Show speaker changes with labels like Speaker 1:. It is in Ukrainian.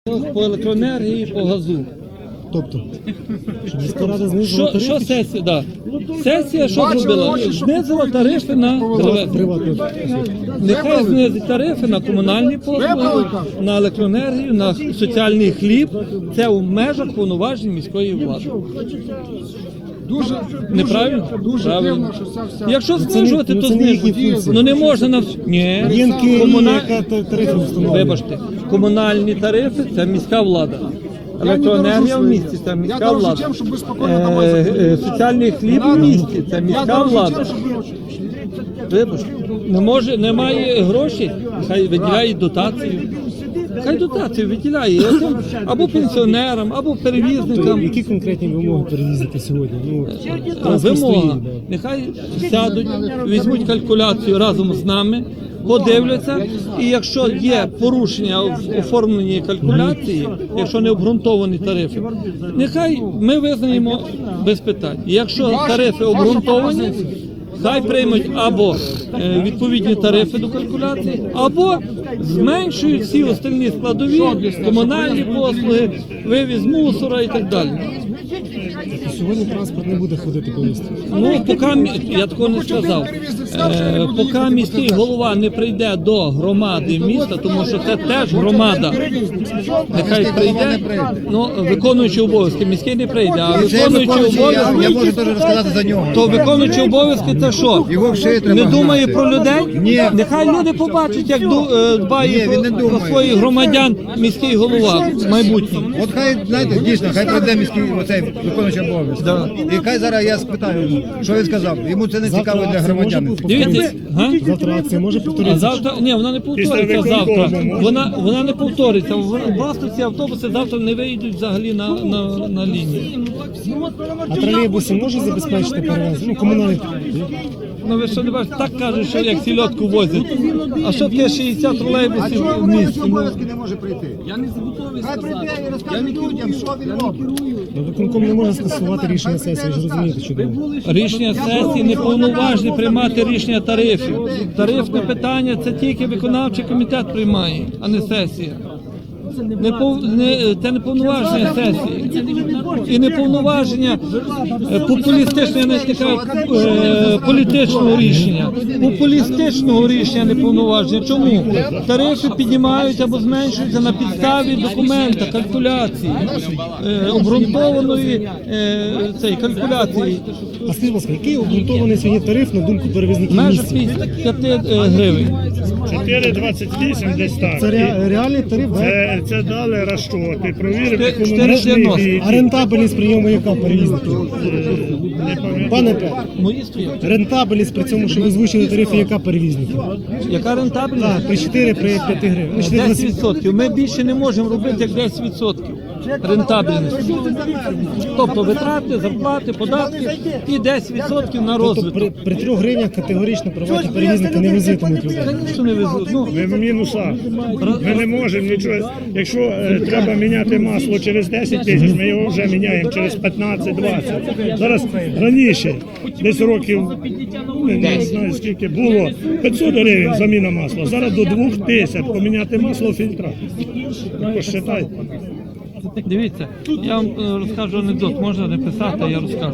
Speaker 1: По електроенергії, по газу.
Speaker 2: Тобто, щоб міська рада знизила тарифи?
Speaker 1: Що сесія, да. Сесія що зробила? Знизила тарифи на
Speaker 2: Приватну.
Speaker 1: Нехай знизить тарифи на комунальні послуги, на електроенергію, на соціальний хліб. Це у межах повноважень міської влади.
Speaker 3: Дуже
Speaker 1: Неправильно?
Speaker 3: дуже
Speaker 1: Правильно.
Speaker 3: дивно, що ця вся...
Speaker 1: Якщо знижувати, то
Speaker 2: це не їхні
Speaker 1: знижувати.
Speaker 2: функції.
Speaker 1: Ну не можна на ні.
Speaker 2: Єнки,
Speaker 1: Комуна-
Speaker 2: яка тарифи встановлює.
Speaker 1: Вибачте, комунальні тарифи це міська влада. Електроенергія в місті це міська
Speaker 3: дорожу
Speaker 1: влада.
Speaker 3: тим, щоб ви спокійно домой заходили.
Speaker 1: Соціальний хліб в місті це
Speaker 3: Я
Speaker 1: міська
Speaker 3: дорожу
Speaker 1: влада.
Speaker 3: тим, щоб ви...
Speaker 1: Вибачте, немає грошей, хай виділяє дотацію. Хай дотацію виділяє або пенсіонерам, або перевізникам.
Speaker 2: Які конкретні вимоги перевізити сьогодні? Ну,
Speaker 1: Вимога. Нехай сядуть, візьмуть калькуляцію разом з нами, подивляться, і якщо є порушення в оформленні калькуляції, якщо не обґрунтовані тарифи, нехай ми визнаємо без питань. Якщо тарифи обґрунтовані, хай приймуть або відповідні тарифи до калькуляції, або зменшують всі остальні складові, комунальні послуги, вивіз мусора і так далі.
Speaker 2: сьогодні транспорт не буде ходити по місту.
Speaker 1: Ну, я такого не сказав. Поки міський голова не прийде до громади міста, тому що це теж громада. Нехай прийде, ну, виконуючи обов'язки. Міський не прийде, а виконуючи
Speaker 4: Я можу
Speaker 1: обов'язки,
Speaker 4: теж розказати за нього.
Speaker 1: то виконуючи обов'язки це що?
Speaker 4: Його в шиї треба
Speaker 1: Не думає
Speaker 4: гнати.
Speaker 1: про людей?
Speaker 4: Ні.
Speaker 1: Нехай люди побачать, як дбає
Speaker 4: Ні, він не
Speaker 1: про
Speaker 4: думає.
Speaker 1: своїх громадян міський голова майбутній.
Speaker 4: От хай, знаєте, дійсно, хай прийде міський оцей виконуючий обов'язок.
Speaker 1: Да.
Speaker 4: І хай зараз я спитаю йому, що він сказав. Йому це не цікаво для громадян.
Speaker 1: Дивіться, га?
Speaker 2: Завтра акція може
Speaker 1: А
Speaker 2: повторитися?
Speaker 1: завтра ні, вона не повториться завтра. Вона не повториться. Власне, ці автобуси завтра не вийдуть взагалі на лінію.
Speaker 2: А тролейбуси може забезпечити перевезення? Ну, комунальні.
Speaker 1: Ну ви що не бачите, так кажуть, що як сільотку возять. А що таке 60 тролейбусів в місті? Ну,
Speaker 4: не може прийти.
Speaker 1: я не готовий
Speaker 4: Хай
Speaker 1: сказати.
Speaker 4: прийде і розкаже людям, що він робить.
Speaker 2: Ну, виконком не може скасувати рішення сесії, ви ж розумієте чудово.
Speaker 1: Рішення сесії не повноважні приймати рішення тарифів. Тарифне питання це тільки виконавчий комітет приймає, а не сесія. Це не повноваження сесії. І не повноваження популістичного, я навіть не кажу, політичного рішення. Популістичного рішення не повноваження. Чому? Тарифи піднімають або зменшуються на підставі документа, калькуляції, обґрунтованої калькуляції.
Speaker 2: А скажіть, будь ласка, який обґрунтований сьогодні тариф на думку перевізників
Speaker 1: Межа
Speaker 2: місця?
Speaker 1: 55 гривень.
Speaker 5: 4,28 десь так.
Speaker 2: Це реальний тариф, да?
Speaker 5: Це дали розчоти, провірив
Speaker 1: 4,90.
Speaker 5: економічний бій.
Speaker 2: А рентабельність прийому яка перевізників?
Speaker 5: Не пам'ятаю.
Speaker 2: Пане Петро,
Speaker 1: Мої стоять.
Speaker 2: рентабельність при цьому, що ви озвучили тарифи, яка перевізників?
Speaker 1: Яка рентабельність?
Speaker 2: Так, при 4, при 5 гривень. Ну, 4,20.
Speaker 1: 10%. Ми більше не можемо робити, як 10% рентабельності. Тобто витрати, зарплати, податки і 10% на
Speaker 2: Тобто
Speaker 1: розвиток.
Speaker 2: при 3 гривнях категорично приватні перевізники не возитимуть людей.
Speaker 1: Що не везуть? Ну,
Speaker 5: Ми в мінусах. Ми не можемо нічого. Якщо треба міняти масло через 10 тисяч, ми його вже міняємо через 15-20. Зараз раніше, десь років, не знаю скільки, було 500 гривень заміна масла. Зараз до 2000 поміняти масло фільтра. Посчитайте.
Speaker 1: дивіться, я вам розкажу анекдот, можна не писати, а я розкажу.